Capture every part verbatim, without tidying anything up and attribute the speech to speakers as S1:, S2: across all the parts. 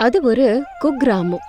S1: அது ஒரு குக்கிராமம்.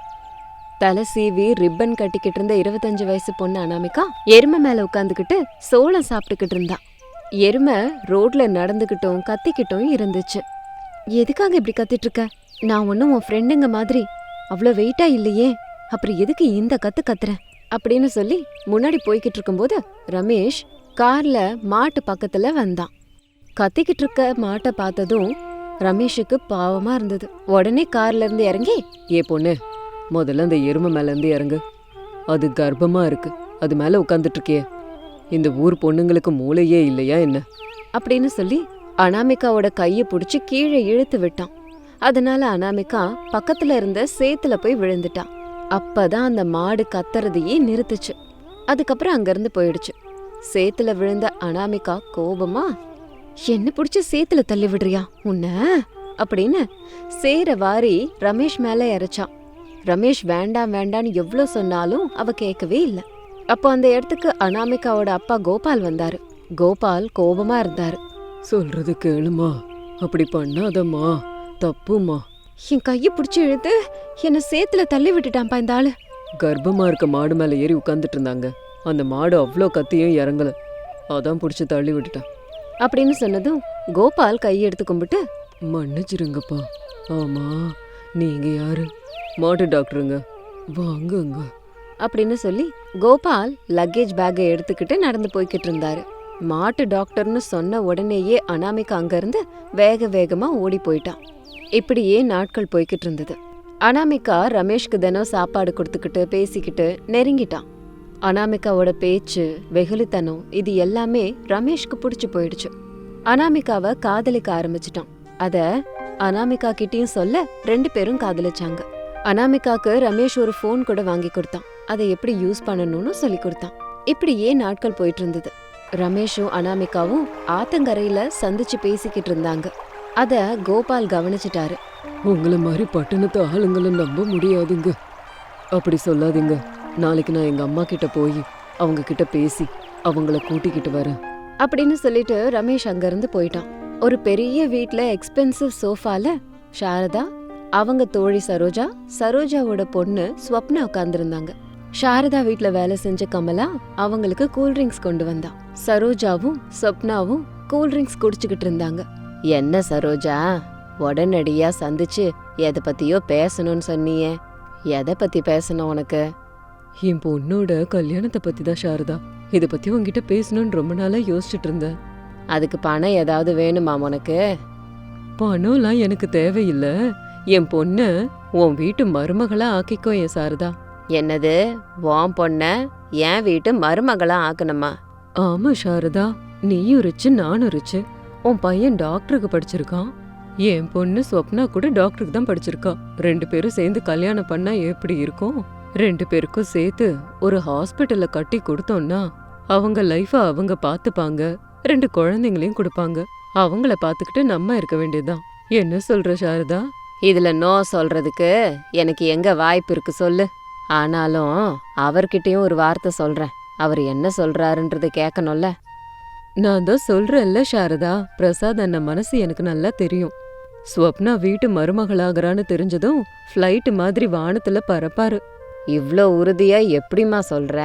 S1: தலை சீவி ரிப்பன் கட்டிக்கிட்டு இருந்த இருபத்தஞ்சு வயசு பொண்ணு அனாமிகா எருமை மேல உட்காந்துக்கிட்டு சோளம் சாப்பிட்டுக்கிட்டு இருந்தா. எருமை ரோட்ல நடந்துகிட்டும் கத்திக்கிட்டும் இருந்துச்சு. எதுக்காக இப்படி கத்திட்டு இருக்க? நான் ஒன்னும் உன் ஃப்ரெண்டுங்க மாதிரி அவ்வளோ வெயிட்டா இல்லையே, அப்புறம் எதுக்கு இந்த கத்து கத்துற அப்படின்னு சொல்லி முன்னாடி போய்கிட்டு இருக்கும்போது ரமேஷ் கார்ல மாட்டு பக்கத்துல வந்தான். கத்திக்கிட்டு இருக்க மாட்டை பார்த்ததும் ரமேஷுக்கு பாவமா இருந்தது. உடனே கார்ல இருந்து இறங்கி,
S2: ஏ பொண்ணு, முதல்ல அந்த எருமை மேல இருந்து இறங்கு. அது கர்ப்பமா இருக்கு, அது மேல உட்காந்துட்டு இருக்கே. இந்த ஊர் பொண்ணுங்களுக்கு மூளையே இல்லையா என்ன
S1: அப்படின்னு சொல்லி அனாமிகாவோட கையை பிடிச்சி கீழே இழுத்து விட்டான். அதனால அனாமிகா பக்கத்துல இருந்த சேத்துல போய் விழுந்துட்டான். அப்பதான் அந்த மாடு கத்துறதையே நிறுத்துச்சு. அதுக்கப்புறம் அங்கிருந்து போயிடுச்சு. சேத்துல விழுந்த அனாமிகா கோபமா, என்ன பிடிச்சி சேத்துல தள்ளி விடுறியா உன்ன அப்படின்னு சேர வாரி ரமேஷ் மேல இறைச்சான். ரமேஷ் வேண்டாம் வேண்டான்னு எவ்வளோ சொன்னாலும் அவ கேட்கவே இல்லை. அப்போ அந்த இடத்துக்கு அனாமிகாவோட அப்பா கோபால் வந்தாரு. கோபால் கோபமா இருந்தாரு.
S2: சொல்றது கேளுமா, அப்படி பண்ணாதம்மா, தப்புமா.
S1: என் கையை பிடிச்சி இழுத்து என்ன சேத்துல தள்ளி விட்டுட்டான்ப்பா இந்த ஆளு.
S2: கர்ப்பமா இருக்க மாடு மேல ஏறி உட்காந்துட்டு இருந்தாங்க. அந்த மாடு அவ்வளோ கத்தியும் இறங்கல, அதான் பிடிச்சி தள்ளி விட்டுட்டான்
S1: அப்படின்னு சொன்னதும் கோபால் கையெடுத்து கும்பிட்டு,
S2: மன்னிச்சிருங்கப்பா. ஆமா, நீங்க யாரு? மாட்டு டாக்டருங்க, வாங்குங்க
S1: அப்படின்னு சொல்லி கோபால் லக்கேஜ் பேக்கை எடுத்துக்கிட்டு நடந்து போய்கிட்டு இருந்தாரு. மாட்டு டாக்டர்னு சொன்ன உடனேயே அனாமிகா அங்கிருந்து வேக வேகமா ஓடி போயிட்டான். இப்படியே நாட்கள் போய்கிட்டு இருந்தது. அனாமிகா ரமேஷ்க்கு தினம் சாப்பாடு கொடுத்துக்கிட்டு பேசிக்கிட்டு நெருங்கிட்டான். அனாமிகாவோட பேச்சு, வெகுளித்தனம் இது எல்லாமே ரமேஷ்க்கு பிடிச்சு போயிடுச்சு. அனாமிகாவை காதலிக்க ஆரம்பிச்சிட்டான். அத அனாமிகா கிட்டயும் சொல்ல ரெண்டு பேரும் காதலிச்சாங்க. அனாமிகாக்கு ரமேஷ் ஒரு போன் கூட வாங்கி கொடுத்தான். அதை எப்படி யூஸ் பண்ணணும்னு சொல்லி கொடுத்தான். இப்படியே நாட்கள் போயிட்டு இருந்தது. ரமேஷும் அனாமிகாவும் ஆத்தங்கரையில சந்திச்சு பேசிக்கிட்டு இருந்தாங்க. அத கோபால் கவனிச்சிட்டாரு.
S2: உங்களை மாதிரி பட்டணத்து ஆளுங்களை நம்ப முடியாதுங்க, அப்படி சொல்லாதீங்க. நாளைக்கு நான் எங்க அம்மா கிட்ட போய் அவங்க கிட்ட பேசி அவங்கள கூட்டிக்கிட்டு வரேன்
S1: அப்படின்னு சொல்லிட்டு ரமேஷ் அங்கிருந்து போயிட்டான். ஒரு பெரிய வீட்ல எக்ஸ்பென்சிவ் சோஃபால சாரதா, அவங்க தோழி சரோஜா, சரோஜாவோட பொண்ணு ஸ்வப்னா உட்கார்ந்துருந்தாங்க. சாரதா வீட்ல வேலை செஞ்ச கமலா அவங்களுக்கு கூல்ட்ரிங்க்ஸ் கொண்டு வந்தா. சரோஜாவும் ஸ்வப்னாவும் கூல்ட்ரிங்க்ஸ் குடிச்சுக்கிட்டு இருந்தாங்க. என்ன சரோஜா, உடனடியா சந்திச்சு எதை பத்தியோ பேசணும்னு சொன்னியே, எதை பத்தி பேசணும் உனக்கு?
S2: என் பொண்ணோட கல்யாணத்தை பத்தி தான் சாரதா. இதை பத்தி உங்ககிட்ட பேசணும்னு ரொம்ப நாளா யோசிச்சுட்டு இருந்தேன்.
S1: அதுக்கு பணம் ஏதாவது வேணுமா உனக்கு?
S2: பணம்லாம் எனக்கு தேவையில்லை. என் பொண்ண உன் வீட்டு மருமகளா ஆக்கிக்கோ என் சாரதா.
S1: என்னது, உன் பொண்ண என் வீட்டு மருமகளா ஆக்கணுமா?
S2: ஆமா சாரதா, நீயும் ரிச்சு நானும் ரிச்சு. உன் பையன் டாக்டருக்கு படிச்சிருக்கான், என் பொண்ணு ஸ்வப்னா கூட டாக்டருக்கு தான் படிச்சிருக்கா. ரெண்டு பேரும் சேர்ந்து கல்யாணம் பண்ணா எப்படி இருக்கும்? ரெண்டு பேருக்கும் சேர்த்து ஒரு ஹாஸ்பிட்டல்ல கட்டி கொடுத்தோம்னா அவங்க லைஃப அவங்க பாத்துப்பாங்க, ரெண்டு குழந்தைங்களையும் கொடுப்பாங்க. அவங்கள பாத்துக்கிட்டு நம்ம இருக்க வேண்டியதுதான். என்ன சொல்ற சாரதா?
S1: இதுல நோ சொல்றதுக்கு எனக்கு எங்க வாய்ப்பு இருக்கு சொல்லு? ஆனாலும் அவர்கிட்டயும் ஒரு வார்த்தை சொல்றேன். அவர் என்ன சொல்றாருன்றது கேட்கணும்ல.
S2: நான் தான் சொல்றேன்ல சாரதா, பிரசாத் அண்ணன் மனசு எனக்கு நல்லா தெரியும். ஸ்வப்னா வீட்டு மருமகளாகிறான்னு தெரிஞ்சதும் ஃப்ளைட் மாதிரி வானத்துல பறப்பாரு.
S1: இவ்ளோ உறுதியா எப்படிமா சொல்ற?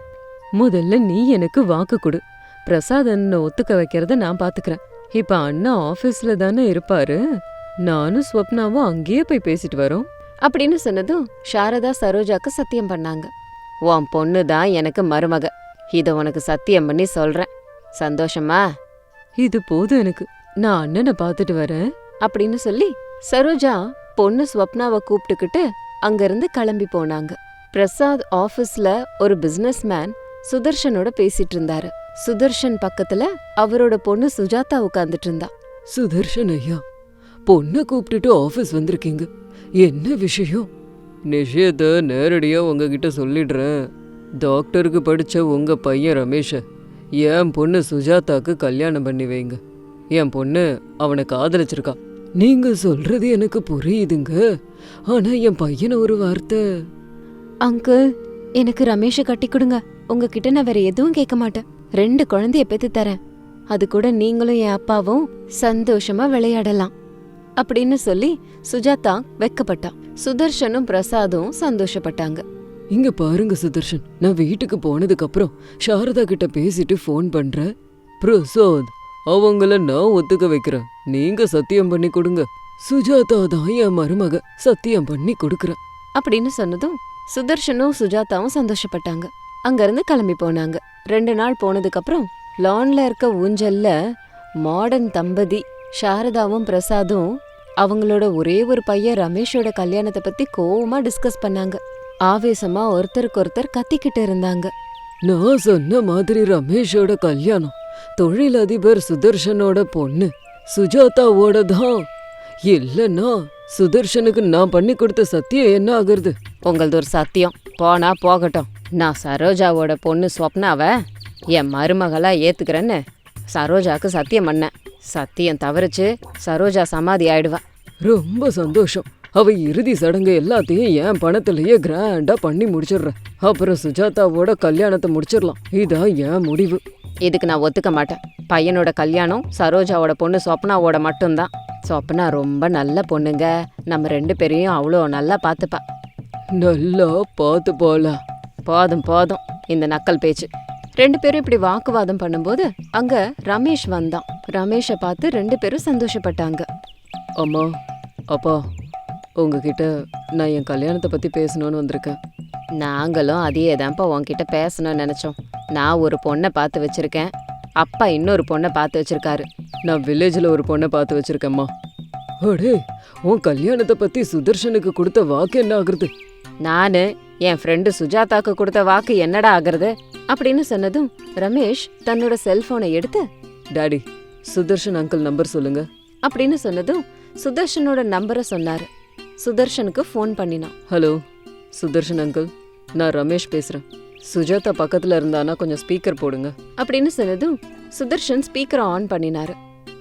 S2: முதல்ல நீ எனக்கு வாக்கு கொடு. பிரசாத் அண்ணனை ஒத்துக்க வைக்கிறத நான் பாத்துக்கிறேன். இப்ப அண்ணா ஆபீஸ்ல தானே இருப்பாரு, நானும் ஸ்வப்னாவும் அங்கேயே போய் பேசிட்டு வரோம்
S1: அப்படின்னு சொன்னதும் சாரதா சரோஜாக்கு சத்தியம் பண்ணாங்க. உன் பொண்ணு தான் எனக்கு மருமக, இத உனக்கு சத்தியம் பண்ணி சொல்றேன். சந்தோஷமா?
S2: இது போதும் எனக்கு, நான் அண்ணனை பாத்துட்டு வரேன்
S1: அப்படின்னு சொல்லி சரோஜா பொண்ணு ஸ்வப்னாவை கூப்பிட்டுக்கிட்டு அங்கிருந்து கிளம்பி போனாங்க. பிரசாத் ஆபீஸ்ல ஒரு பிசினஸ் மேன் சுதர்ஷனோட பேசிட்டு இருந்தாரு. சுதர்ஷன் பக்கத்துல அவரோட பொண்ணு சுஜாதா உட்கார்ந்துட்டு இருந்தா.
S2: சுதர்ஷன் ஐயா, பொண்ணை கூப்பிட்டுட்டு ஆபீஸ் வந்திருக்கீங்க, என்ன விஷயம்? நிஷயத்தை நேரடியா உங்ககிட்ட சொல்லிடுறேன். டாக்டருக்கு படிச்ச உங்க பையன் ரமேஷ என் பொண்ணு சுஜாதாக்கு கல்யாணம் பண்ணி வைங்க. என் பொண்ணு அவனை காதலிச்சிருக்கா. நீங்க சொல்றது எனக்கு புரியுதுங்க, ஆனா என் பையனை ஒரு வார்த்தை.
S1: அங்கிள், எனக்கு ரமேஷ கட்டி கொடுங்க. உங்ககிட்ட நான் வேற எதுவும் கேட்க மாட்டேன். ரெண்டு குழந்தைய பெத்து தரேன், அது கூட நீங்களும் என் அப்பாவும் சந்தோஷமா விளையாடலாம் அப்படின்னு சொல்லி சுஜாதா வெக்கப்பட்டா. சுதர்ஷனும் பிரசாதும் சந்தோஷப்பட்டாங்க.
S2: இங்க பாருங்க சுதர்ஷன், நான் வீட்டுக்கு போனதுக்கு அப்புறம் சாரதா கிட்ட பேசிட்டு ஃபோன் பண்றேன். பிரசாத், அவங்கள நான் ஒத்துக்க வைக்கிறேன், நீங்க சத்தியம் பண்ணி கொடுங்க. சுஜாதா தான் என் மருமக, சத்தியம் பண்ணி கொடுக்கறேன்
S1: அப்படின்னு சொன்னதும் சுதர்ஷனும் சுஜாதாவும் சந்தோஷப்பட்டாங்க. அங்கிருந்து கிளம்பி போனாங்க. ரெண்டு நாள் போனதுக்கு அப்புறம் லான்ல இருக்க ஊஞ்சல்ல மாடர்ன் தம்பதி சாரதாவும் பிரசாதும் அவங்களோட ஒரே ஒரு பையன் ரமேஷோட கல்யாணத்தை பத்தி கோவமா டிஸ்கஸ் பண்ணாங்க. ஆவேசமா ஒருத்தருக்கு ஒருத்தர் கத்திக்கிட்டு இருந்தாங்க.
S2: நான் சொன்ன மாதிரி ரமேஷோட கல்யாணம் தொழிலதிபர் சுதர்ஷனோட பொண்ணு சுஜாதாவோட தான். இல்லன்னா சுதர்ஷனுக்கு நான் பண்ணி கொடுத்த சத்தியம் என்ன ஆகுறது?
S1: உங்களது ஒரு சத்தியம் போனா போகட்டும். நான் சரோஜாவோட பொண்ணு ஸ்வப்னாவை என் மருமகளா ஏத்துக்கிறேன்னு சரோஜாக்கு சத்தியம் பண்ணேன். சத்தியம் தவறிச்சு சரோஜா சமாதி ஆயிடுவா.
S2: ரொம்ப சந்தோஷம். அவ இறுதி சடங்கு எல்லாத்தையும் என் பணத்திலேயே கிராண்டா பண்ணி முடிச்சிடுறேன். அப்புறம் சுஜாதாவோட கல்யாணத்தை முடிச்சிடலாம். இதான் என் முடிவு.
S1: இதுக்கு நான் ஒத்துக்க மாட்டேன். பையனோட கல்யாணம் சரோஜாவோட பொண்ணு சொப்னாவோட மட்டும்தான். சொப்னா ரொம்ப நல்ல பொண்ணுங்க. நம்ம ரெண்டு பேரையும் அவ்வளோ நல்லா பார்த்துப்பா.
S2: நல்லா பார்த்து போலாம்.
S1: போதும் போதும் இந்த நக்கல் பேச்சு. ரெண்டு பேரும் இப்படி வாக்குவாதம் பண்ணும்போது அங்க ரமேஷ் வந்தான். ரமேஷை பார்த்து ரெண்டு பேரும் சந்தோஷப்பட்டாங்க.
S2: அம்மா, அப்பா, உங்ககிட்ட நான் என் கல்யாணத்தை பத்தி பேசணும்னு வந்திருக்கேன்.
S1: நாங்களும் அதையே தான்ப்பா உன்கிட்ட பேசணும்னு நினைச்சோம். நான் ஒரு பொண்ணை பார்த்து வச்சிருக்கேன், அப்பா இன்னொரு பொண்ணை பார்த்து வச்சிருக்காரு.
S2: நான் வில்லேஜில் ஒரு பொண்ணை பார்த்து வச்சிருக்கேம்மா. அடே, உன் கல்யாணத்தை பத்தி சுதர்ஷனுக்கு கொடுத்த வாக்கு என்ன ஆகுறது?
S1: நானு என் ஃப்ரெண்டு சுஜாதாக்கு கொடுத்த வாக்கு என்னடா ஆகுறது அப்படின்னு சொன்னதும் ரமேஷ் தன்னோட செல்போனை எடுத்து,
S2: டாடி, சுதர்ஷன் அங்கிள் நம்பர் சொல்லுங்க
S1: அப்படின்னு சொன்னதும் சுதர்ஷனோட நம்பரை சொன்னாரு. சுதர்ஷனுக்கு ஃபோன் பண்ணினான்.
S2: ஹலோ சுதர்ஷன் அங்கிள், நான் ரமேஷ் பேசுறேன். சுஜாதா பக்கத்துல இருந்தானா கொஞ்சம் ஸ்பீக்கர் போடுங்க
S1: அப்படின்னு சொன்னதும் சுதர்ஷன் ஸ்பீக்கரை ஆன் பண்ணினாரு.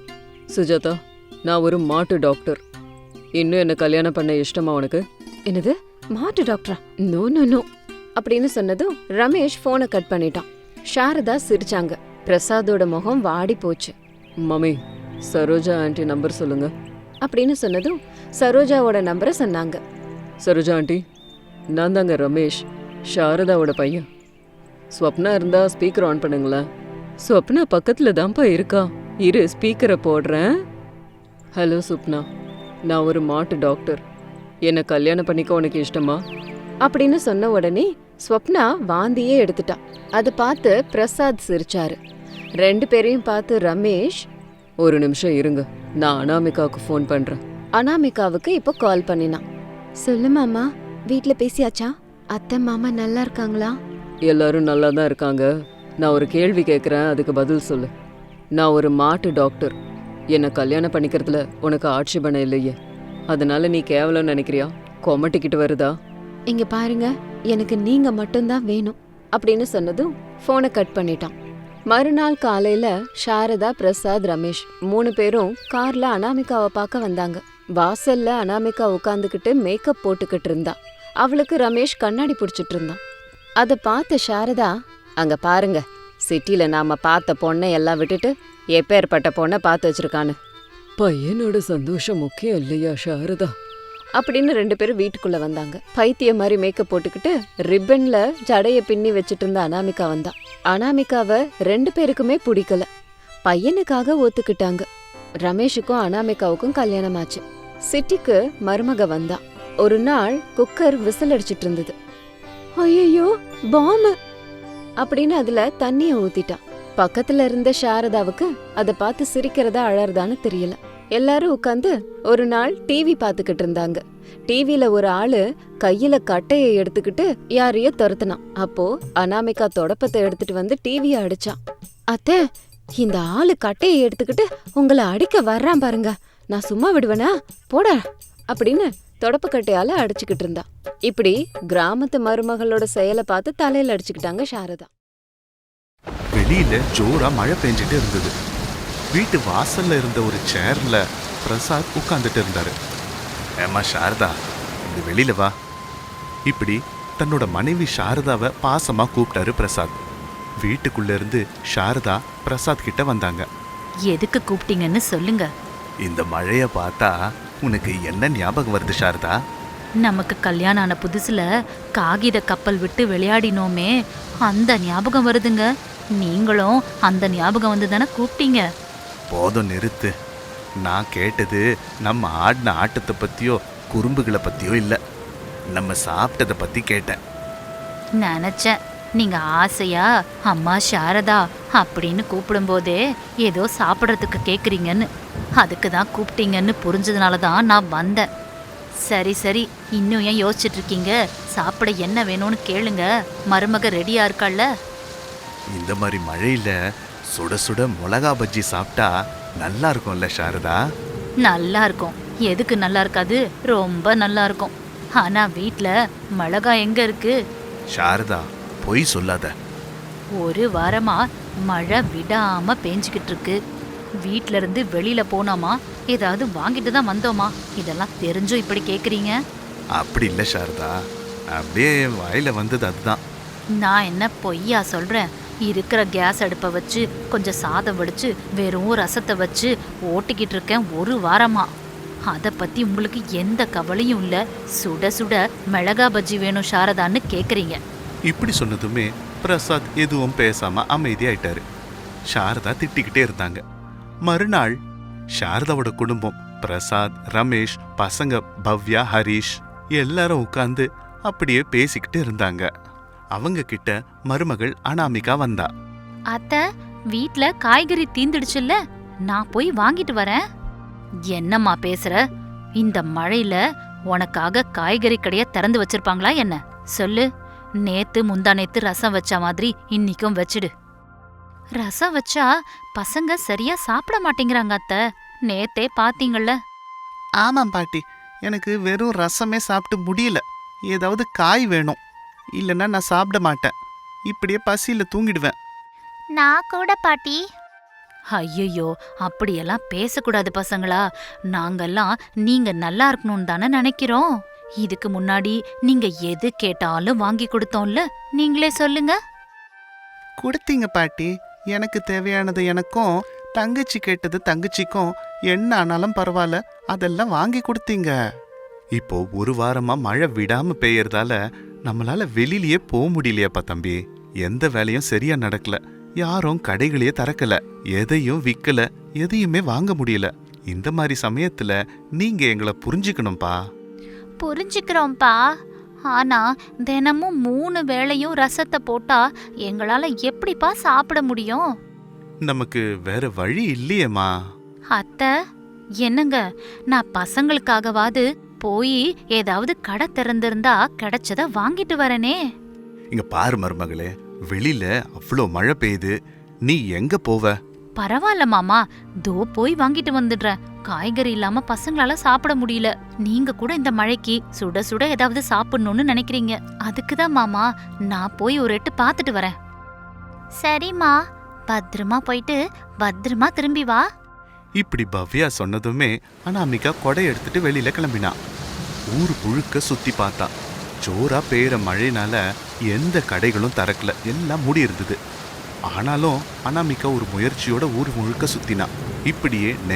S2: சுஜாதா, நான் ஒரு மாட்டு டாக்டர். இன்னும் என்ன கல்யாணம் பண்ண இஷ்டமா உனக்கு?
S1: என்னது, மாட்டு டாக்டரா? நோ நோ நோ அப்படின்னு சொன்னதும் ரமேஷ் போனை கட் பண்ணிட்டான். சாரதா சிரிச்சாங்க. பிரசாதோட முகம் வாடி போச்சு.
S2: மம்மி, சரோஜா ஆண்டி நம்பர் சொல்லுங்க
S1: அப்படின்னு சொன்னதும் சரோஜாவோட நம்பரை சொன்னாங்க.
S2: சரோஜா ஆண்டி, நான் தாங்க ரமேஷ், சாரதாவோட பையன். ஸ்வப்னா இருந்தா ஸ்பீக்கர் ஆன் பண்ணுங்களேன். ஸ்வப்னா பக்கத்துல தான்ப்பா இருக்கா, இரு ஸ்பீக்கரை போடுறேன். ஹலோ சுப்னா, நான் ஒரு மாட்டு டாக்டர். என்னை கல்யாணம் பண்ணிக்க உனக்கு இஷ்டமா?
S1: அப்படின்னு சொன்ன உடனே ஸ்வப்னா வாந்தியே எடுத்துட்டான். அதை பார்த்து பிரசாத் சிரிச்சாரு. ரெண்டு பேரையும் பார்த்து ரமேஷ்,
S2: ஒரு நிமிஷம் இருங்க, நான் அனாமிகாவுக்கு ஃபோன் பண்றேன்.
S1: அனாமிகாவுக்கு இப்போ கால் பண்ணினான். சொல்லு மாமா, வீட்ல பேசியாச்சா? அத்தை மாமா நல்லா இருக்காங்களா?
S2: எல்லாரும் நல்லா தான் இருக்காங்க. நான் ஒரு கேள்வி கேட்குறேன், அதுக்கு பதில் சொல்லு. நான் ஒரு மாட்டு டாக்டர். என்னை கல்யாணம் பண்ணிக்கிறதுல உனக்கு ஆட்சேபணம் இல்லையே, அதனால நீ கேவலம் நினைக்கிறியா? கொமட்டிக்கிட்டு வருதா?
S1: இங்க பாருங்க, எனக்கு நீங்க மட்டும்தான் வேணும் அப்படின்னு சொன்னதும் போனை கட் பண்ணிட்டான். மறுநாள் காலையில சாரதா, பிரசாத், ரமேஷ் மூணு பேரும் கார்ல அனாமிகாவை பார்க்க வந்தாங்க. வாசல்ல அனாமிகா உட்காந்துக்கிட்டு மேக்கப் போட்டுக்கிட்டு இருந்தா. அவளுக்கு ரமேஷ் கண்ணாடி பிடிச்சிட்டு இருந்தான். அதை பார்த்த சாரதா, அங்க பாருங்க, சிட்டில நாம பார்த்த பொண்ணை எல்லாம் விட்டுட்டு எப்பேற்பட்ட பொண்ணை பார்த்து வச்சிருக்கான்னு.
S2: பையனோட சந்தோஷம் முக்கியம் இல்லையா சாரதா?
S1: அப்படின்னு ரெண்டு பேரும் வீட்டுக்குள்ள வந்தாங்க. பைத்திய மாதிரி மேக்கப் போட்டுக்கிட்டு ரிப்பன்ல ஜடைய பின்னி வச்சிட்டு இருந்த அனாமிகா வந்தா. அனாமிகாவை ரெண்டு பேருக்குமே பிடிக்கல. பையனுக்காக ஒத்துக்கிட்டாங்க. ரமேஷுக்கும் அனாமிகாவுக்கும் கல்யாணம் ஆச்சு. சிட்டிக்கு மருமக வந்தா. ஒரு நாள் குக்கர் விசில் அடிச்சிட்டு இருந்தது. ஐயோ, பாம்பு அப்படின்னு அதுல தண்ணிய ஊத்திட்டான். பக்கத்துல இருந்த சாரதாவுக்கு அதை பார்த்து சிரிக்கிறதா அழறதான்னு தெரியல. எல்லாரும் உட்காந்து ஒரு நாள் டிவி பாத்துக்கிட்டு இருந்தாங்க. டிவில ஒரு ஆளு கையில கட்டையை எடுத்துக்கிட்டு யாரையோ துரத்துனான். அப்போ அனாமிகா தொடப்பத்தை எடுத்துட்டு வந்து டிவியை அடிச்சான். அத்தை, இந்த ஆளு கட்டையை எடுத்துக்கிட்டு உங்களை அடிக்க வர்றான் பாருங்க, நான் சும்மா விடுவேனா, போட அப்படின்னு தொடப்பக்கட்டையால அடிச்சுக்கிட்டு இருந்தா. இப்படி கிராமத்து மருமகளோட செயலை பார்த்து தலையில அடிச்சுக்கிட்டாங்க சாரதா.
S3: வெளியில ஜோரா மழை பெஞ்சிட்டு இருந்தது. வீட்டு வாசல்ல இருந்த ஒரு சேர்ல பிரசாத் உட்கார்ந்துட்டு இருந்தாரு. ஏமா சாரதா, இந்த வெளியில வா. இப்படி தன்னோட மனைவி சாரதாவை பாசமா கூப்பிட்டாரு பிரசாத். வீட்டுக்குள்ள இருந்து சாரதா பிரசாத் கிட்ட வந்தாங்க.
S4: எதுக்கு கூப்பிட்டீங்கன்னு சொல்லுங்க.
S3: இந்த மழைய பார்த்தா உனக்கு என்ன ஞாபகம் வருது சாரதா?
S4: நமக்கு கல்யாணம் ஆன புதுசுல காகித கப்பல் விட்டு விளையாடினோமே, அந்த ஞாபகம் வருதுங்க. நீங்களும் அந்த ஞாபகம் வந்து தானே கூப்பிட்டீங்க.
S3: போதும் நிறுத்து. நான் கேட்டது நம்ம ஆடின ஆட்டத்தை பத்தியோ குறும்புகளை பத்தியோ இல்ல, நம்ம சாப்பிட்டதை பத்தி கேட்டேன்.
S4: நினைச்சேன் நீங்க ஆசையா அம்மா சாரதா அப்படின்னு கூப்பிடும்போதே ஏதோ சாப்பிட்றதுக்கு கேக்குறீங்கன்னு, அதுக்கு தான் கூப்பிட்டீங்கன்னு புரிஞ்சதுனால தான் நான் வந்தேன். சரி சரி, இன்னும் ஏன் யோசிச்சுட்டு இருக்கீங்க? சாப்பிட என்ன வேணும்னு கேளுங்க, மருமக ரெடியா இருக்காள்ல.
S3: இந்த மாதிரி மழையில சுட சுட மிளகா பஜ்ஜி சாப்பிட்டா நல்லா இருக்கும்ல சாரதா?
S4: நல்லா இருக்கும். எதுக்கு நல்லா இருக்காது? ரொம்ப நல்லா இருக்கும். ஆனா வீட்ல மிளகா எங்க இருக்கு?
S3: சாரதா, பொய் சொல்லாத.
S4: ஒரு வாரமா மழை விடாம பேஞ்சுக்கிட்டு இருக்கு. வீட்ல இருந்து வெளியில போனோமா ஏதாவது வாங்கிட்டு தான் வந்தோமா? இதெல்லாம் தெரிஞ்சும் இப்படி கேக்குறீங்க?
S3: அப்படி இல்லை சாரதா, அப்படியே என் வாயில வந்தது அதுதான்.
S4: நான் என்ன பொய்யா சொல்றேன்? இருக்கிற கேஸ் அடுப்பை வச்சு கொஞ்சம் சாதம் வடிச்சு வெறும் ரசத்தை வச்சு ஓட்டிக்கிட்டு இருக்கேன் ஒரு வாரமா. அதை பத்தி உங்களுக்கு எந்த கவலையும் இல்ல. சுட சுட மிளகா பஜ்ஜி வேணும் சாரதான்னு கேக்குறீங்க.
S3: இப்படி சொன்னதுமே பிரசாத் எதுவும் பேசாம அமைதியாயிட்டாரு. சாரதா திட்டிக்கிட்டே இருந்தாங்க. மறுநாள் சாரதாவோட குடும்பம், பிரசாத், ரமேஷ், பசங்க பவ்யா, ஹரிஷ் எல்லாரும் உட்கார்ந்து அப்படியே பேசிக்கிட்டு இருந்தாங்க. அவங்க கிட்ட மருமகள் அனாமிகா வந்தா.
S4: அத்த, வீட்ல காய்கறி தீந்துடுச்சுல்ல, நான் போய் வாங்கிட்டு வரேன். என்னம்மா பேசுற? இந்த மழையில உனக்காக காய்கறி கடைய திறந்து வச்சிருப்பாங்களா என்ன? சொல்லு. நேத்து முந்தா நேத்து ரசம் வச்ச மாதிரி இன்னிக்கும் வச்சிடு. ரசம் வச்சா பசங்க சரியா சாப்பிட மாட்டேங்கிறாங்க அத்த. நேத்தே பாத்தீங்கள்ல.
S3: ஆமாம் பாட்டி, எனக்கு வெறும் ரசமே சாப்பிட்டு முடியல. ஏதாவது காய் வேணும், இல்லைன்னா நான் சாப்பிட மாட்டேன். இப்படியே பசியில தூங்கிடுவேன்.
S4: நான் கூட பாட்டி. ஐயோ, அப்படியெல்லாம் பேசக்கூடாது பசங்களா. நாங்கெல்லாம் நீங்க நல்லா இருக்கணும்னு தானே நினைக்கிறோம். இதுக்கு முன்னாடி நீங்க எது கேட்டாலும் வாங்கி கொடுத்தோம்ல, நீங்களே சொல்லுங்க.
S3: கொடுத்தீங்க பாட்டி. எனக்கு தேவையானது எனக்கும், தங்கச்சி கேட்டது தங்கச்சிக்கும். என்ன ஆனாலும் பரவாயில்ல, அதெல்லாம் வாங்கி கொடுத்தீங்க. இப்போ ஒரு வாரமா மழை விடாம பெய்யறதால நம்மளால வெளியிலயே போக முடியலையாப்பா தம்பி. எந்த வேலையும் சரியா நடக்கல. யாரும் கடைகளையே திறக்கல, எதையும் விக்கல, எதையுமே வாங்க முடியல. இந்த மாதிரி சமயத்துல நீங்க எங்களை புரிஞ்சுக்கணும்பா.
S4: புரிஞ்சுக்கிறோம்ப்பா. ஆனா தினமும் மூணு வேளையும் ரசத்தை போட்டா எங்களால எப்படிப்பா சாப்பிட முடியும்?
S3: நமக்கு வேற வழி இல்லையேம்மா.
S4: அத்தை, என்னங்க, நான் பசங்களுக்காகவாது போய் ஏதாவது கடை திறந்திருந்தா கிடைச்சத வாங்கிட்டு வரனே.
S3: இங்க பாரு மருமகளே, வெளியில அவ்வளோ மழை பெய்யுது, நீ எங்க போவ?
S4: பரவாயில்ல மாமா, தோ போய் வாங்கிட்டு வந்துடுறேன். காய்கறி இல்லாம பசங்களால சாப்பிட முடியல. நீங்க கூட இந்த மழைக்கு சுட சுட ஏதாவது சாப்பிடணும்னு நினைக்கிறீங்க. அதுக்குதான் மாமா நான் போய் ஒரு எட்டு பாத்துட்டு வரேன். சரிம்மா, பத்திரமா போயிட்டு பத்திரமா திரும்பி வா.
S3: இப்படி பவ்யா சொன்னதுமே அனாமிகா கொடை எடுத்துட்டு வெளியில கிளம்பினா. ஊர் முழுக்க சுத்தி பார்த்தா. ஜோரா பெய்யுற மழைனால எந்த கடைகளும் திறக்கல, எல்லாம் மூடி இருந்தது. ஆனாலும் அனாமிகா ஒரு முயற்சியோட ஊர் முழுக்க சுத்தினா. இப்படியே நே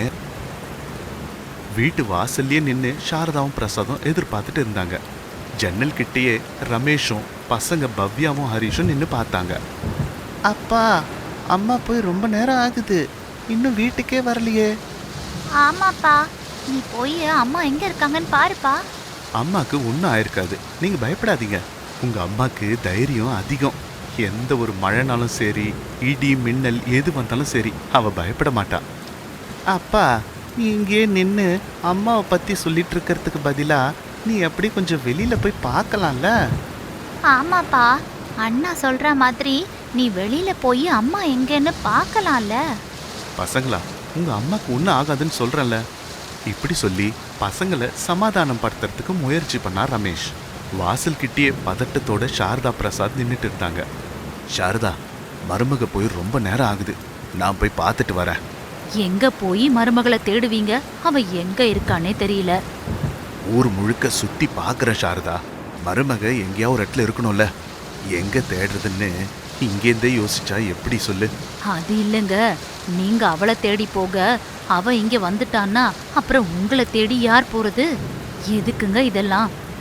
S3: வீட்டு வாசல்லே நின்று சாரதாவும் பிரசாதும் எதிர்பார்த்துட்டு இருந்தாங்க. ஜன்னல் கிட்டேயே ரமேஷும் பசங்க பவ்யாவும் ஹரிஷும் நின்று பார்த்தாங்க. அப்பா, அம்மா போய் ரொம்ப நேரம் ஆகுது, இன்னும் வீட்டுக்கே வரலையே.
S4: ஆமாப்பா, நீ போய் அம்மா எங்க இருக்காங்கன்னு பாருப்பா.
S3: அம்மாக்கு ஒன்றும் ஆயிருக்காது, நீங்க பயப்படாதீங்க. உங்க அம்மாக்கு தைரியம் அதிகம். எந்த ஒரு மழைனாலும் சரி, இடி மின்னல் எது வந்தாலும் சரி, அவ பயப்பட மாட்டா. அப்பா, நீ இங்கே நின்று அம்மாவை பத்தி சொல்லிட்டு இருக்கிறதுக்கு பதிலா நீ எப்படி கொஞ்சம் வெளியில போய் பார்க்கலாம்ல?
S4: ஆமாப்பா, அண்ணா சொல்ற மாதிரி நீ வெளியில போய் அம்மா எங்கன்னு பார்க்கலாம்ல.
S3: பசங்களா, உங்க அம்மாக்கு ஒன்றும் ஆகாதுன்னு சொல்றேன்ல. இப்படி சொல்லி பசங்களை சமாதானம் படுத்துறதுக்கு முயற்சி பண்ணா ரமேஷ். வாசல் கிட்டேயே பதட்டத்தோட சாரதா பிரசாத் நின்றுட்டு இருந்தாங்க. சாரதா, மருமக போய் ரொம்ப நேரம் ஆகுது, நான் போய் பார்த்துட்டு வரேன்.
S4: எங்க போய் மருமகளை தேடுவீங்க? அவ எங்க இருக்கானே தெரியல.
S3: ஊர் முழுக்க சுத்தி பார்க்குற சாரதா, மருமக எங்கேயா ஒரு இடத்துல இருக்கணும்ல. எங்க தேடுறதுன்னு இங்கேருந்தே யோசிச்சா எப்படி சொல்லு?
S4: அது இல்லைங்க, நீங்க அவளை தேடி போக அவ இங்க வந்துட்டான்னா அப்புறம் உங்களை தேடி யார் போறது? எதுக்குங்க இதெல்லாம்?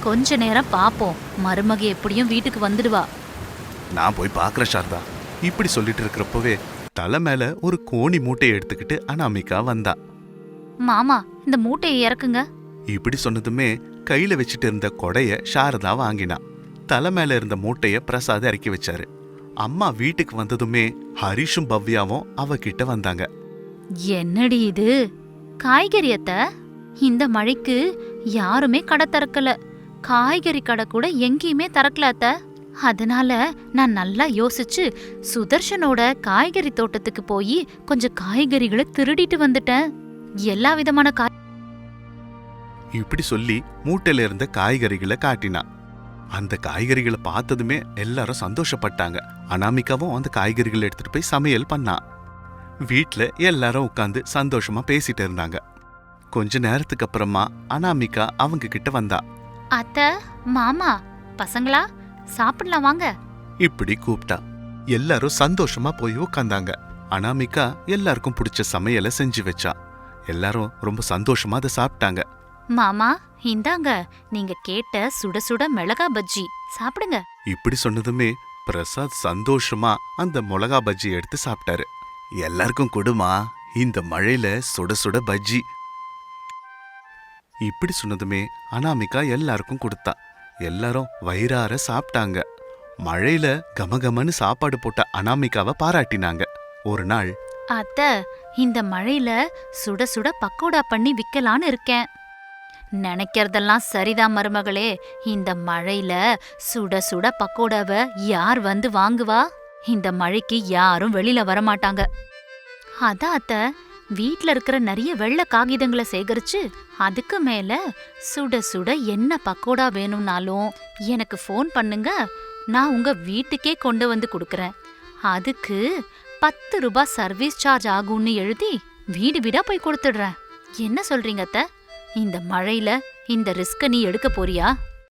S4: கொஞ்ச நேரம் பாப்போம், மருமக எப்படியும் வீட்டுக்கு வந்துடுவா.
S3: நான் போய் பார்க்கறேன் சாரதா. இப்படி சொல்லிட்டு இருக்கிறப்பவே தலை மேல ஒரு கோணி மூட்டையை எடுத்துக்கிட்டு அனாமிகா வந்தா.
S4: மாமா, இந்த மூட்டையை இறக்குங்க.
S3: இப்படி சொன்னதுமே கையில வச்சுட்டு இருந்த கொடைய சாரதா வாங்கினா. தலை மேல இருந்த மூட்டைய பிரசாத் இறக்கி வச்சாரு. அம்மா வீட்டுக்கு வந்ததுமே ஹரிஷும் பவ்யாவும் அவகிட்ட வந்தாங்க.
S4: என்னடி இது? காய்கறி அத்தை, இந்த மழைக்கு யாருமே கடை திறக்கல. காய்கறி கடை கூட எங்கேயுமே திறக்கல அத்தை. அதனால நான் நல்லா யோசிச்சு சுதர்ஷனோட காய்கறி தோட்டத்துக்கு போய் கொஞ்சம் காய்கறிகளை திருடிட்டு வந்துட்டேன். எல்லா விதமான காய்
S3: இப்படி சொல்லி மூட்டையில இருந்த காய்கறிகளை காட்டினா. அந்த காய்கறிகளை பார்த்ததுமே எல்லாரும் சந்தோஷப்பட்டாங்க. அனாமிகாவும் அந்த காய்கறிகளை எடுத்துட்டு போய் சமையல் பண்ணா. வீட்ல எல்லாரும் உட்காந்து சந்தோஷமா பேசிட்டு இருந்தாங்க. கொஞ்ச நேரத்துக்கு அப்புறமா அனாமிகா அவங்க கிட்ட வந்தா.
S4: அத்தை, மாமா, பசங்களா சாப்பிடலாம் வாங்க.
S3: இப்படி கூப்பிட்டா. எல்லாரும் சந்தோஷமா போய் உட்காந்தாங்க. அனாமிகா எல்லாருக்கும் பிடிச்ச சமையலை செஞ்சு வச்சா. எல்லாரும் ரொம்ப சந்தோஷமா அதை சாப்பிட்டாங்க.
S4: மாமா, இந்தாங்க நீங்க கேட்ட சுட சுட மிளகா பஜ்ஜி, சாப்பிடுங்க.
S3: இப்படி சொன்னதுமே பிரசாத் சந்தோஷமா அந்த மிளகா பஜ்ஜி எடுத்து சாப்பிட்டாரு. எல்லாருக்கும் கொடுமா, இந்த மழையில சுட சுட பஜ்ஜி. இப்படி சொன்னதுமே அனாமிகா எல்லாருக்கும் கொடுத்தா. எல்லாரும் வயிறார சாப்பிட்டாங்க. மழையில கமகமன்னு சாப்பாடு போட்ட அனாமிகாவை பாராட்டினாங்க. ஒரு நாள்,
S4: அத்தை, இந்த மழையில சுட சுட பக்கோடா பண்ணி விக்கலான்னு இருக்கேன். நினைக்கிறதெல்லாம் சரிதான் மருமகளே. இந்த மழையில சுட சுட பக்கோடாவை யார் வந்து வாங்குவா? இந்த மழைக்கு யாரும் வெளியில வரமாட்டாங்க. அதான் அத்தை, வீட்ல இருக்கிற நிறைய வெள்ளை காகிதங்களை சேகரிச்சு அதுக்கு மேல சுட சுட என்ன பக்கோடா வேணும்னாலும் எனக்கு ஃபோன் பண்ணுங்க, நான் உங்க வீட்டுக்கே கொண்டு வந்து கொடுக்கறேன். அதுக்கு பத்து ரூபாய் சர்வீஸ் சார்ஜ் ஆகும்னு எழுதி வீடு வீடா போய் கொடுத்துடுறேன். என்ன சொல்றீங்க அத்தை? இந்த மழையில இந்த ரிஸ்க நீ எடுக்க போறியா?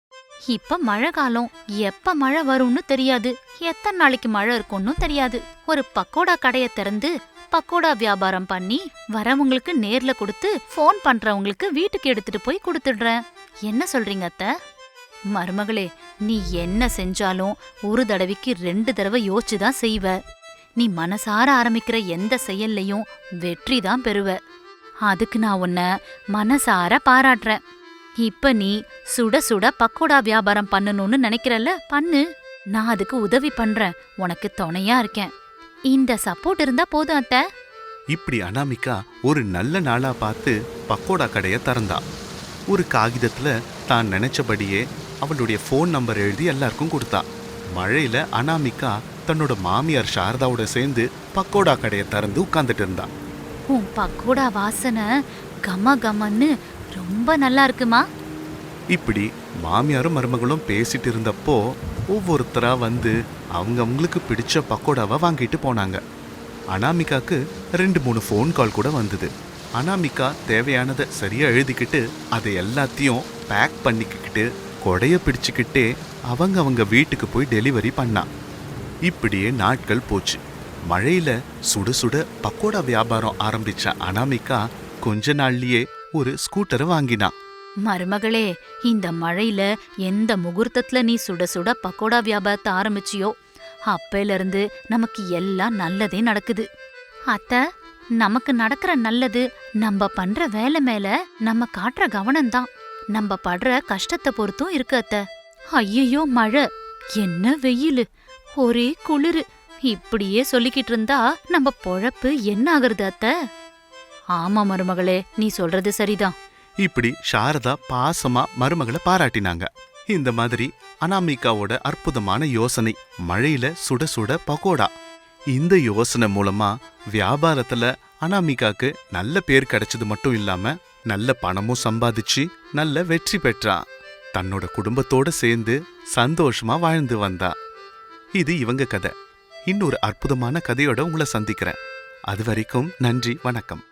S4: இப்ப மழை காலம், எப்ப மழை வரும்னு தெரியாது, எத்தனை நாளைக்கு மழை இருக்கும்னு தெரியாது. ஒரு பக்கோடா கடைய திறந்து பக்கோடா வியாபாரம் பண்ணி வரவங்களுக்கு நேர்ல கொடுத்து ஃபோன் பண்றவங்களுக்கு வீட்டுக்கு எடுத்துட்டு போய் கொடுத்துடுறேன். என்ன சொல்றீங்க அத்தை? மருமகளே, நீ என்ன செஞ்சாலும் ஒரு தடவைக்கு ரெண்டு தடவை யோசிச்சுதான் செய்வ. நீ மனசார ஆரம்பிக்கிற எந்த செயல்லையும் வெற்றி தான் பெறுவ. அதுக்கு நான் உன்னை மனசார பாராட்டுறேன். இப்ப நீ சுட சுட பக்கோடா வியாபாரம் பண்ணணும்னு நினைக்கிறல்ல, பண்ணு. நான் அதுக்கு உதவி பண்றேன், உனக்கு துணையா இருக்கேன். இந்த சப்போர்ட் இருந்தா போதும் அத்தை.
S3: இப்படி அனாமிகா ஒரு நல்ல நாளா பார்த்து பக்கோடா கடைய திறந்தா. ஒரு காகிதத்துல தான் நினைச்சபடியே அவளுடைய ஃபோன் நம்பர் எழுதி எல்லாருக்கும் கொடுத்தா. மழையில அனாமிகா தன்னோட மாமியார் சாரதாவோட சேர்ந்து பக்கோடா கடைய திறந்து உட்கார்ந்துட்டு இருந்தா.
S4: உன் பக்கோடா வாசனை கம கமன்னு ரொம்ப நல்லா இருக்குமா?
S3: இப்படி மாமியாரும் மருமகளும் பேசிட்டு இருந்தப்போ ஒவ்வொருத்தரா வந்து அவங்க அவங்களுக்கு பிடிச்ச பக்கோடாவை வாங்கிட்டு போனாங்க. அனாமிகாக்கு ரெண்டு மூணு ஃபோன் கால் கூட வந்தது. அனாமிகா தேவையானதை சரியா எழுதிக்கிட்டு அதை எல்லாத்தையும் பேக் பண்ணிக்கிட்டு கொடைய பிடிச்சுக்கிட்டே அவங்க அவங்க வீட்டுக்கு போய் டெலிவரி பண்ணா. இப்படியே நாட்கள் போச்சு. மழையில சுட சுட பக்கோடா வியாபாரம் ஆரம்பிச்ச அனாமிகா கொஞ்ச நாள்லயே ஒரு ஸ்கூட்டரை வாங்கினா.
S4: மருமகளே, இந்த மழையில எந்த முகூர்த்தத்துல நீ சுட சுட பக்கோடா வியாபாரத்தை ஆரம்பிச்சியோ அப்பையில இருந்து நமக்கு எல்லாம் நல்லதே நடக்குது. அத்தை, நமக்கு நடக்கிற நல்லது நம்ம பண்ற வேலை மேல நம்ம காட்டுற கவனம்தான். நம்ம படுற கஷ்டத்தை பொறுத்தும் இருக்கு அத்தை. ஐயோ மழை, என்ன வெயிலு, ஒரே குளிரு. இப்படியே சொல்லிக்கிட்டு இருந்தா நம்ம பொழப்பு என்ன ஆகுறது அத்தை? ஆமா மருமகளே, நீ சொல்றது சரிதான்.
S3: இப்படி சாரதா பாசமா மருமகளை பாராட்டினாங்க. இந்த மாதிரி அனாமிகாவோட அற்புதமான யோசனை, மழையில சுட சுட பக்கோடா. இந்த யோசனை மூலமா வியாபாரத்துல அனாமிகாக்கு நல்ல பேர் கிடைச்சது மட்டும் இல்லாம நல்ல பணமும் சம்பாதிச்சு நல்ல வெற்றி பெற்றா. தன்னோட குடும்பத்தோட சேர்ந்து சந்தோஷமா வாழ்ந்து வந்தா. இது இவங்க கதை. இன்னொரு அற்புதமான கதையோட உங்களை சந்திக்கிறேன். அது வரைக்கும் நன்றி, வணக்கம்.